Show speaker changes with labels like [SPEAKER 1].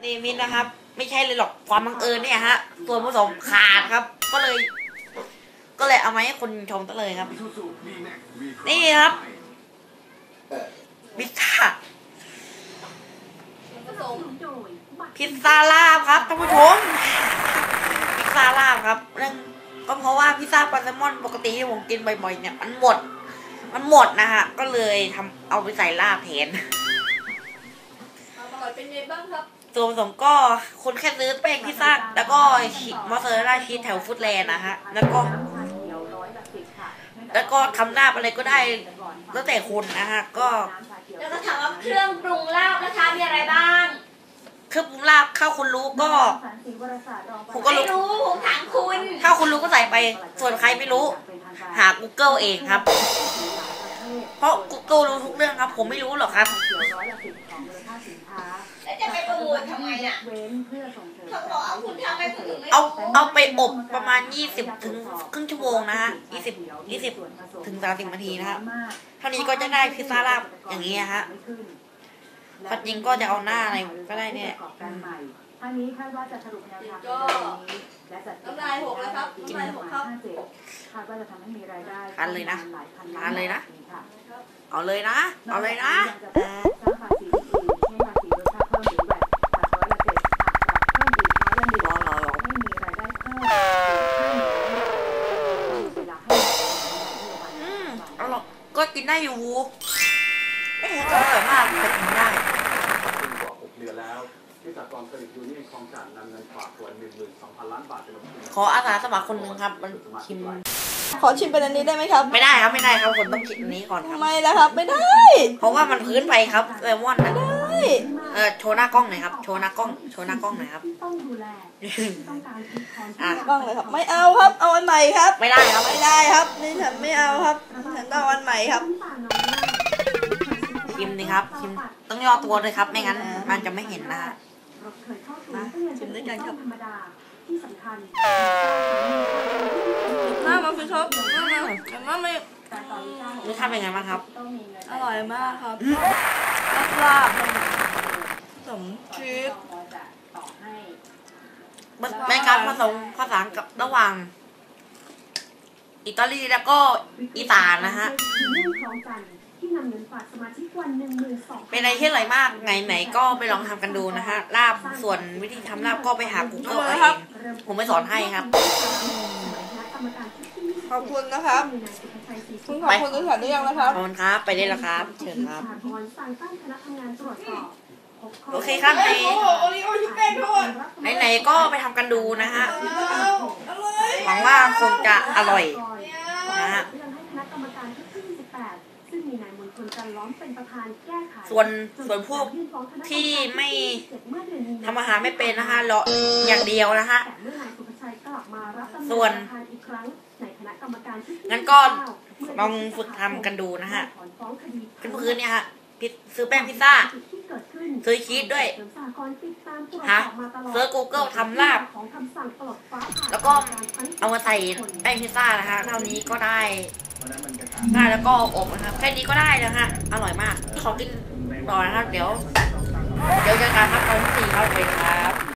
[SPEAKER 1] นี่มินนะครับ ไม่ใช่เลยหรอกความบังเอิญเนี่ยฮะส่วนผสมขาดครับ ก็เลยเอามาให้คนชมซะเลยครับ นี่ครับพิซซ่าพิซซ่าลาบครับท่านผู้ชมพิซซ่าลาบครับเรื่องก็เพราะว่าพิซซ่าปลาแซลมอนปกติที่ผมกินบ่อยๆเนี่ยมันหมดนะฮะก็เลยเอาไปใส่ลาบแทน
[SPEAKER 2] เป็นไงบ้างครับ
[SPEAKER 1] ส่วนผสมก็คนแค่ซื้อแป้งพิซซ่าแล้วก็มอสซาเรลล่าชีสแถวฟุตแลนด์นะฮะแล้วก็ทำลาบอะไรก็ได้แล้วแต่คนนะฮะ
[SPEAKER 2] แล้วก็ถามว่าเครื่องปรุงลาบนะคะมีอะไรบ้าง
[SPEAKER 1] เครื่องปรุงลาบข้าวคุณรู้ก็
[SPEAKER 2] ผมก็รู้ผมถามคุณ
[SPEAKER 1] ข้าวคุณรู้ก็ใส่ไปส่วนใครไม่รู้หา Google เองครับเพราะ Google รู้ทุกเรื่องครับผมไม่รู้หรอกครับ
[SPEAKER 2] แล้วจะไปประมูลทำไมอ่ะเขาบอกเอาคุณทำไมคุณถึงไม่
[SPEAKER 1] เอาไปอบประมาณ20 ถึงครึ่งชั่วโมงนะฮะ20 ถึง 30 นาทีนะฮะเท่านี้ก็จะได้พิซซ่าลาบอย่างนี้ฮะปัจจุบันก็จะเอาหน้าอะไรก็ได้เนี่ย
[SPEAKER 3] ท่านี้คาดว่าจะสรุปแนวทาง
[SPEAKER 2] ก็น้ำลายหกแล้วครับน้ำลายหกครับ
[SPEAKER 3] คาดว่าจะทำให้มีรายได้
[SPEAKER 1] ทานเลยนะเอาเลยนะสร้างภาษีให้ภาษีรสชาติเพิ่มหรือแบบตัด7%หากปรับเพิ่มอีก1%ให้มีรายได้เพิ่มอร่อยก็กินได้อยู่ก็อร่อยมากแต่กินได้
[SPEAKER 4] 6 เดือนแล้วที่สหกรณ์เครดิตยูเนี่ยนคลองจันทน์นำเงินฝากกว่า 12,000 ล้านบาทไปลงทุน
[SPEAKER 1] ขออาสาสมัครคนหนึ่งครับมันชิม
[SPEAKER 3] ขอชิมเป็นอันนี้ได้ไหมครับ
[SPEAKER 1] ไม่ได้ครับคนต้องกินอันนี้ก่อนครับ
[SPEAKER 3] ไม่แล้วครับไม่ได้
[SPEAKER 1] เพราะว่ามันพื้นไปครับแซลมอนนะโชว์หน้ากล้องหน่อยครับโชว์หน้ากล้องหน่อยครับ
[SPEAKER 3] กล้องเลยครับไม่เอาครับเอาอันใหม่ครับ
[SPEAKER 1] ไม่ได้ครับ
[SPEAKER 3] นี่ฉันไม่เอาครับฉันต้องอันใหม่ครับ
[SPEAKER 1] ชิมนี่ครับชิมต้องย่อตัวเลยครับไม่งั้นมันจะไม่เห็นนะฮะ
[SPEAKER 3] ชิมด้วยกันครับน่ามาพี่ชอบน่าไม่
[SPEAKER 1] รสชาติเป็นไงบ้างครับ
[SPEAKER 3] อร่อยมากครับลาบสมชีส
[SPEAKER 1] เป็นการผสมผสานกับระหว่างอิตาลีแล้วก็อีสานนะฮะเป็นอะไรที่อร่อยมากไหนก็ไปลองทำกันดูนะฮะลาบส่วนวิธีทำลาบก็ไปหา Google เองผมไม่สอนให้ครับ
[SPEAKER 3] ขอบคุณนะครับคุณขอบคุณทุกท่านหรือยังนะครับ
[SPEAKER 1] ขอบคุณครับไปได้แล้วครับเชิญครับโอเคครับไหนก็ไปทำกันดูนะฮะหวังว่าคงจะอร่อยนะฮะส่วนพวกที่ไม่ทำอาหารไม่เป็นนะคะรออย่างเดียวนะฮะส่วนงั้นก็ลองฝึกทำกันดูนะฮะพื้นเนี่ยฮะซื้อแป้งพิซซ่าซื้อชีสด้วยฮะซื้อ Google ทำลาบแล้วก็เอามาใส่แป้งพิซซ่านะฮะเท่านี้ก็ได้แล้วก็อบนะครับแค่นี้ก็ได้แล้วฮะอร่อยมากขอกินต่อนะครับเดี๋ยวเจอกันครับตอนที่ 4ครับ